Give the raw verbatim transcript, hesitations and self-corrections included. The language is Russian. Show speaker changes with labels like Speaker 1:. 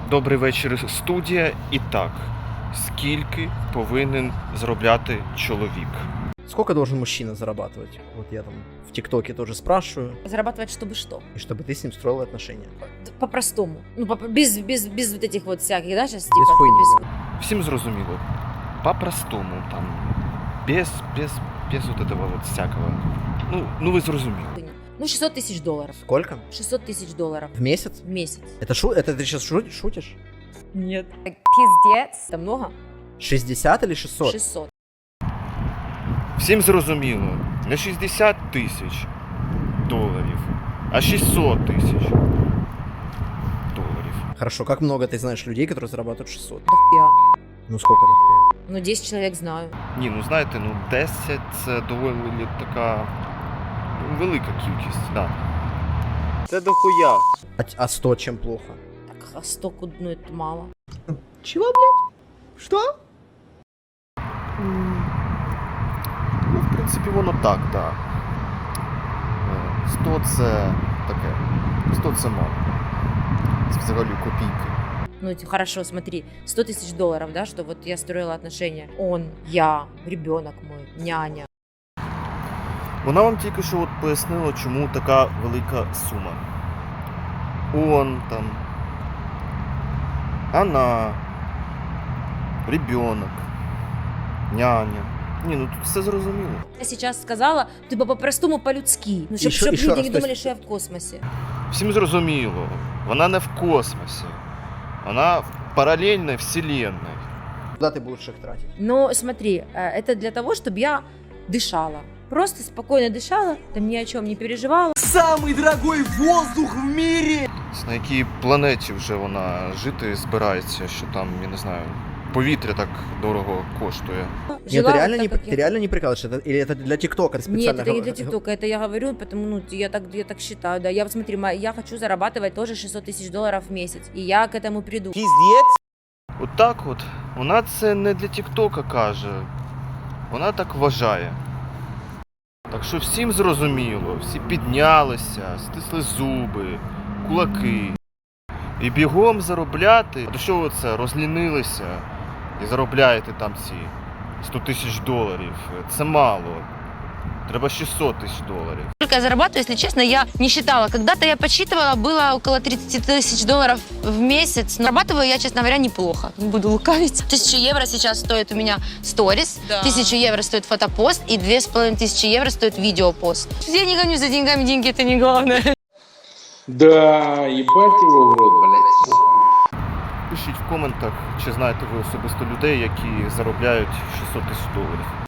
Speaker 1: Добрий вечір, студія. І так, скільки повинен заробляти чоловік?
Speaker 2: Сколько должен мужчина зарабатывать? Вот я там в ТикТоке тоже спрашиваю.
Speaker 3: Зарабатывать чтобы что?
Speaker 2: И чтобы ты с ним строила отношения.
Speaker 3: По-простому. Ну, по без, без, без вот этих вот всяких, да, сейчас
Speaker 2: Без
Speaker 3: типа...
Speaker 2: хуйни.
Speaker 3: без-
Speaker 1: Всім зрозуміло. По-простому, там, без, без, без вот этого вот всякого. Ну, ну ви зрозуміли.
Speaker 3: Ну, шестьсот тысяч долларов.
Speaker 2: Сколько?
Speaker 3: шестьсот тысяч долларов
Speaker 2: В месяц?
Speaker 3: в месяц.
Speaker 2: Это, шу... это ты сейчас шутишь?
Speaker 3: Нет. Пиздец. Это много?
Speaker 2: шестьдесят или шестьсот?
Speaker 3: шестьсот.
Speaker 1: Всім зрозуміло. Не шістдесят тисяч доларів, а шістсот тисяч доларів.
Speaker 2: Хорошо, как много ты знаешь людей, которые зарабатывают шестьсот?
Speaker 3: Дохуя.
Speaker 2: Ну сколько дохуя?
Speaker 3: Ну, десять человек знаю.
Speaker 1: Ні, ну знаєте, ну десять це доволі така ну, велика кількість, да. Це дохуя.
Speaker 2: А, а сто чем плохо?
Speaker 3: Так, а сто куд- ну, это мало.
Speaker 2: Чего, блядь? Что?
Speaker 1: Ну, в принципі, воно так, так. сто це таке. сто це мало. Це взагалі копійки.
Speaker 3: Ну, эти- хорошо, смотри, сто тысяч долларов, да, что вот я строила отношения. Он, я, ребенок мой, няня.
Speaker 1: Вона вам тільки що от пояснила, чому така велика сума. Он там, она, ребенок, няня. Ні, ну тут все зрозуміло.
Speaker 3: Я сейчас сказала, ты бы по-простому по-людски. Ну, чтобы
Speaker 2: Еще- еще
Speaker 3: люди
Speaker 2: раз,
Speaker 3: не
Speaker 2: то
Speaker 3: думали,
Speaker 2: есть-
Speaker 3: что я в космосе.
Speaker 1: Всім зрозуміло. Вона не в космосі. Вона в паралельній вселенной.
Speaker 2: Куда ты будешь их тратить?
Speaker 3: Но смотри, э, это для того, чтобы я дышала. Просто спокойно дышала, там ни о чем не переживала.
Speaker 4: Самый дорогой воздух в мире!
Speaker 1: На якій планеті вже вона жити збирається, що там, я не знаю, повітря так дорого коштує.
Speaker 2: Нет,
Speaker 3: Жила
Speaker 2: ты реально,
Speaker 3: вот
Speaker 2: не,
Speaker 3: так, как
Speaker 2: ты
Speaker 3: я-
Speaker 2: реально не прикалываешься? Это- Или это для ТикТока
Speaker 3: Нет,
Speaker 2: специально?
Speaker 3: это не
Speaker 2: го-
Speaker 3: для ТикТока, это я говорю, потому ну я так я так считаю, да. Я вот смотри, ма- я хочу зарабатывать тоже шестьсот тысяч долларов в месяц, и я к этому приду.
Speaker 4: Пиздец!
Speaker 1: От так от, вона це не для Тіктока каже, вона так вважає. Так що всім зрозуміло, всі піднялися, стисли зуби, кулаки. І бігом заробляти. А то що ви це, розлінилися і заробляєте там ці сто тисяч доларів? Це мало. Треба шістсот тисяч доларів.
Speaker 5: Сколько я зарабатываю, если честно, я не считала. Когда-то я подсчитывала, было около тридцать тысяч долларов в месяц. Но зарабатываю я, честно говоря, неплохо. Не буду лукавить. Тысячу евро сейчас стоит у меня сторис,
Speaker 3: Да.
Speaker 5: тысячу евро стоит фотопост и две с половиной тысячи евро стоит видеопост. Я не гонюсь за деньгами, деньги это не главное.
Speaker 6: Да, ебать его в рот, блядь.
Speaker 1: Пишіть в коментах, чи знаєте ви особисто людей, які заробляють шістсот тисяч доларів.